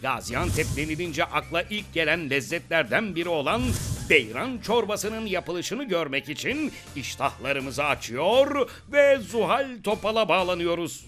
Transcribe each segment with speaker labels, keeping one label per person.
Speaker 1: Gaziantep denilince akla ilk gelen lezzetlerden biri olan beyran çorbasının yapılışını görmek için iştahlarımızı açıyor ve Zuhal Topal'a bağlanıyoruz.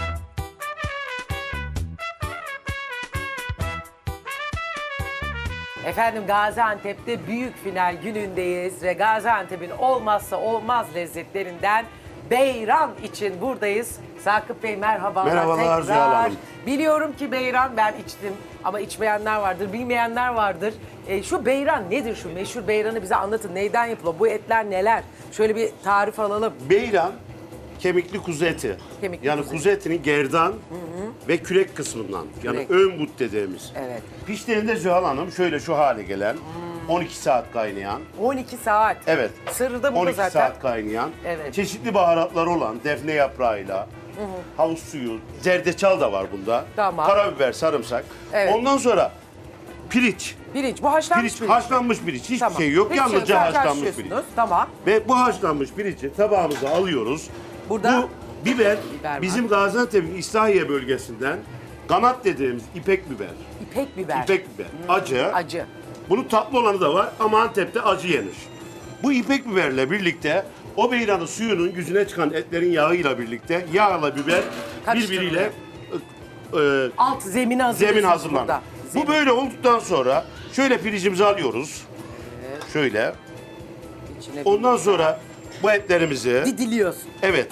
Speaker 2: Efendim Gaziantep'te büyük final günündeyiz ve Gaziantep'in olmazsa olmaz lezzetlerinden beyran için buradayız. Sakıp Bey merhabalar.
Speaker 3: Merhabalar Zuhal Hanım.
Speaker 2: Biliyorum ki beyran ben içtim ama içmeyenler vardır, bilmeyenler vardır. Şu beyran nedir, şu meşhur beyranı bize anlatın. Neyden yapılıyor? Bu etler neler? Şöyle bir tarif alalım.
Speaker 3: Beyran kemikli kuzu eti.
Speaker 2: Kemikli
Speaker 3: yani
Speaker 2: kuzu.
Speaker 3: kuzu etinin gerdan ve kürek kısmından. Yani
Speaker 2: Kürek.
Speaker 3: ön but dediğimiz.
Speaker 2: Evet.
Speaker 3: Piştiğinde Zuhal Hanım şöyle şu hale gelen 12 saat kaynayan.
Speaker 2: 12 saat.
Speaker 3: Evet.
Speaker 2: Sırrı da burada
Speaker 3: 12
Speaker 2: zaten.
Speaker 3: saat kaynayan.
Speaker 2: Evet.
Speaker 3: Çeşitli baharatları olan defne yaprağıyla, havuz suyu, zerdeçal da var bunda.
Speaker 2: Tamam.
Speaker 3: Karabiber, sarımsak.
Speaker 2: Evet.
Speaker 3: Ondan sonra pirinç.
Speaker 2: Pirinç. Bu haşlanmış
Speaker 3: Pirinç,
Speaker 2: pirinç.
Speaker 3: haşlanmış pirinç. Hiçbir
Speaker 2: Tamam.
Speaker 3: şey yok.
Speaker 2: Hiçbir şey
Speaker 3: Yalnızca
Speaker 2: sadece
Speaker 3: haşlanmış pirinç.
Speaker 2: haşlıyorsunuz. Tamam.
Speaker 3: Ve bu haşlanmış pirinci tabağımıza alıyoruz.
Speaker 2: Burada
Speaker 3: bu biber,
Speaker 2: biber var.
Speaker 3: bizim Gaziantep'in İslahiye bölgesinden kanat dediğimiz ipek biber.
Speaker 2: İpek biber.
Speaker 3: İpek biber. Acı.
Speaker 2: Acı.
Speaker 3: Bunun tatlı olanı da var ama Antep'te acı yenir. Bu ipek biberle birlikte o beyranın suyunun yüzüne çıkan etlerin yağıyla birlikte yağla biber birbiriyle
Speaker 2: Alt zemini hazırlıyorsunuz
Speaker 3: zemin hazırlanır.
Speaker 2: burada.
Speaker 3: Bu böyle olduktan sonra şöyle pirincimizi alıyoruz. Şöyle.
Speaker 2: İçine
Speaker 3: Ondan sonra bu etlerimizi
Speaker 2: didiliyorsun.
Speaker 3: evet.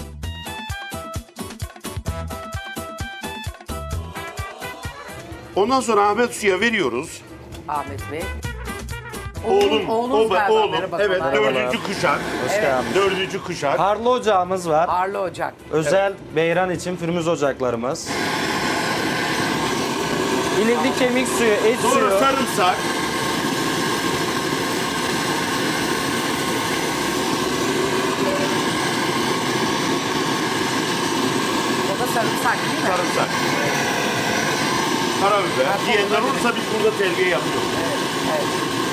Speaker 3: Ondan sonra Ahmet Su'ya veriyoruz.
Speaker 2: Ahmet Bey.
Speaker 3: Oğlum,
Speaker 2: oğlunuz galiba.
Speaker 3: oğlum.
Speaker 2: Merhaba,
Speaker 3: Evet,
Speaker 2: kolay
Speaker 3: dördüncü kuşak.
Speaker 4: Hoş geldiniz.
Speaker 3: Dördüncü kuşak.
Speaker 4: Harlı ocağımız var.
Speaker 2: Arlı ocak.
Speaker 4: Özel beyran için pürmüz ocaklarımız. İlikli kemik suyu, et
Speaker 3: Sonra
Speaker 4: suyu.
Speaker 3: sarımsak.
Speaker 2: O da sarımsak değil mi?
Speaker 3: Sarımsak. Karabiber. Diyenler olursa biz burada terbiye yapıyoruz.
Speaker 2: Evet.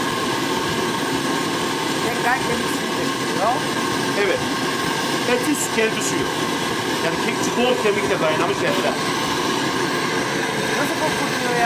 Speaker 2: Tekrar kemik suyu dökülüyor.
Speaker 3: Evet. Etin kendi suyu. Yani bol kemikle kaynamış etler.
Speaker 2: Nasıl kokuyor ya?